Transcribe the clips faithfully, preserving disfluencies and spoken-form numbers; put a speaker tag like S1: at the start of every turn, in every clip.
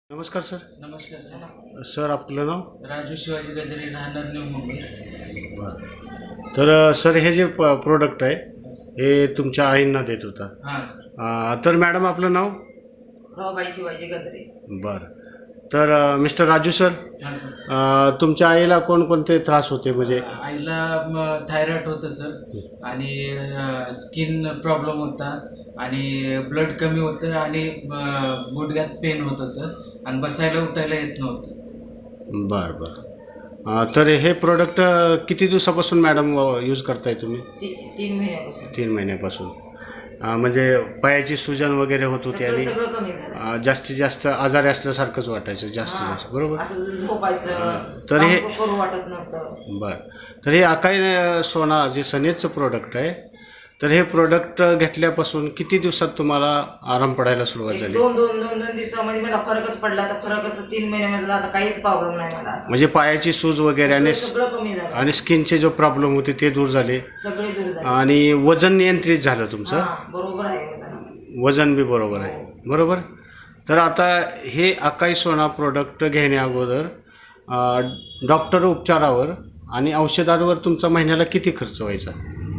S1: नमस्कार सर.
S2: नमस्कार sir.
S1: Sir आपलं नाव?
S2: राजू शिवाजी गजरे, राहणार न्यू मुंबई.
S1: बरं. तर अ, सर हे जे प प्रोडक्ट आहे हे तुमच्या आईंना देत होता.
S2: हां सर.
S1: अ, तर मॅडम आपलं नाव?
S3: रमाबाई शिवाजी गजरे.
S1: बरं. तर अ, मिस्टर राजू सर,
S2: हां सर.
S1: अ, तुमच्या आईला कोणकोणते त्रास होते म्हणजे?
S2: आईला थायरॉइड होतं सर आणि स्किन प्रॉब्लेम होता आणि ब्लड कमी होतं आणि अ, गुडघ्यात पेन होत होतं आणि बसायला उठायला येत नव्हतं.
S1: बरं बरं. अ, तर हे प्रोडक्ट किती दिवसापासून मॅडम यूज करताय तुम्ही?
S3: ती तीन महिन्यापासून
S1: तीन महिन्यापासून. अ, म्हणजे पायाची सुजन वगैरे होत होती
S3: सगळं
S1: आणि
S3: सगळं कमी झालं.
S1: अ, जास्तीत जास्त आजारी असल्यासारखंच वाटायचं जास्तीत
S3: हां.
S1: जास्त, बरोबर?
S3: असं झोपायचं
S1: हां. तर
S3: काम
S1: हे-
S3: करू वाटत नसतं.
S1: बरं. तर हे अकाई अ, सोना जे सनेजचं प्रोडक्ट आहे, तर हे प्रोडक्ट घेतल्यापासून किती दिवसात तुम्हाला आराम पडायला सुरुवात
S3: एक
S1: झाली?
S3: दोन दोन दोन दोन दिवसामध्ये मला फरकच पडला. आता फरक असं तीन महिन्यामध्ये आता काहीच प्रॉब्लेम नाही मला आता.
S1: म्हणजे पायाची सूज वगैरे आणि
S3: सगळं सगळं कमी झालं.
S1: आणि स्किनचे जो प्रॉब्लेम होते ते दूर झाले
S3: सगळे दूर झाले.
S1: आणि वजन नियंत्रित झालं तुमचं.
S3: हां, बरोबर आहे वजन.
S1: वजन बी बरोबर आहे, बरोबर? तर आता हे अकाई सोना प्रोडक्ट घेण्या अगोदर अ, डॉक्टर उपचारावर आणि औषधांवर तुमचा महिन्याला किती खर्च व्हायचा?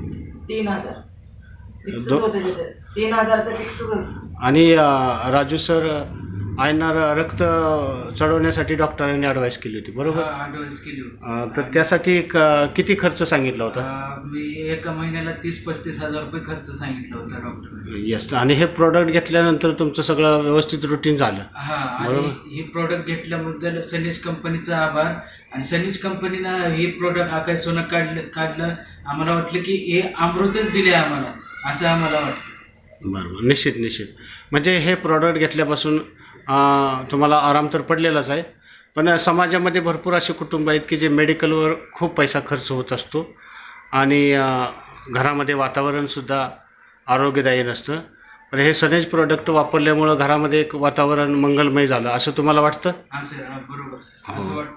S3: तीन हजार फिक्सच
S1: दो-
S3: होतं तिथं. तीन हजारचं फिक्सच होतं.
S1: आणि अ, राजू सर आयना रक्त चढवण्यासाठी डॉक्टरांनी ॲडवाईस केली होती, बरोबर?
S2: ॲडवाईस केली होती.
S1: अ, तर त्यासाठी क- किती खर्च सांगितला होता?
S2: अ, मी एका महिन्याला तीस पस्तीस हजार रुपये खर्च सांगितला होता डॉक्टर.
S1: येस. आणि हे प्रोडक्ट घेतल्यानंतर तुमचं सगळं व्यवस्थित रुटीन झालं.
S2: हा आणि
S1: बरोबर.
S2: ही प्रोडक्ट घेतल्याबद्दल सनीज कंपनीचा आभार. आणि सनीज कंपनीनं हे प्रोडक्ट आकाश सोनं काढलं काढलं आम्हाला वाटलं की हे अमृतच दिले आम्हाला, असं आम्हाला वाटतं.
S1: बरोबर. निश्चित निश्चित. म्हणजे हे प्रोडक्ट घेतल्यापासून अ, तुम्हाला आराम तर पडलेलाच आहे, पण समाजामध्ये भरपूर असे कुटुंब आहेत की जे मेडिकलवर खूप पैसा खर्च होत असतो आणि अ, घरामध्ये वातावरणसुद्धा आरोग्यदायी नसतं. पण हे सनेज प्रोडक्ट वापरल्यामुळं घरामध्ये एक वातावरण मंगलमय झालं असं तुम्हाला वाटतं?
S2: हा सर, हा बरोबर सर,
S1: हो.
S2: असं वाटतं.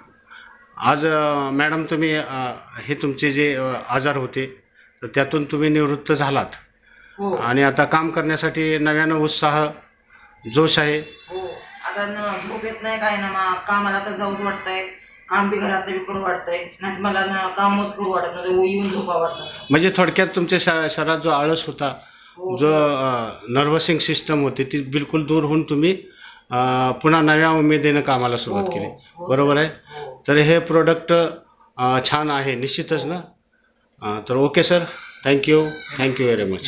S1: आज अ, मॅडम तुम्ही अ, हे तुमचे जे अ, आजार होते तर त्यातून तुम्ही निवृत्त झालात
S3: हो
S1: आणि आता काम करण्यासाठी नव्यानं उत्साह, जोश आहे.
S3: हो. आता न झोप येत नाही काय ना मग कामाला तर जाऊच वाटतंय. काम बी घरात बी करू वाटतंय. नाही मला ना कामच करू वाटत नव्हतं. येऊन झोपा वाटतं.
S1: म्हणजे थोडक्यात तुमच्या श शरीरात जो आळस होता,
S3: हो,
S1: जो नर्वसिंग सिस्टम होती ती बिलकुल दूर होऊन तुम्ही अ, पुन्हा नव्या उमेदीनं कामाला सुरुवात
S3: हो,
S1: केली,
S3: हो,
S1: बरोबर आहे?
S3: हो.
S1: तर हे प्रोडक्ट छान आहे निश्चितच ना. अ, तर okay sir, thank you thank you very much.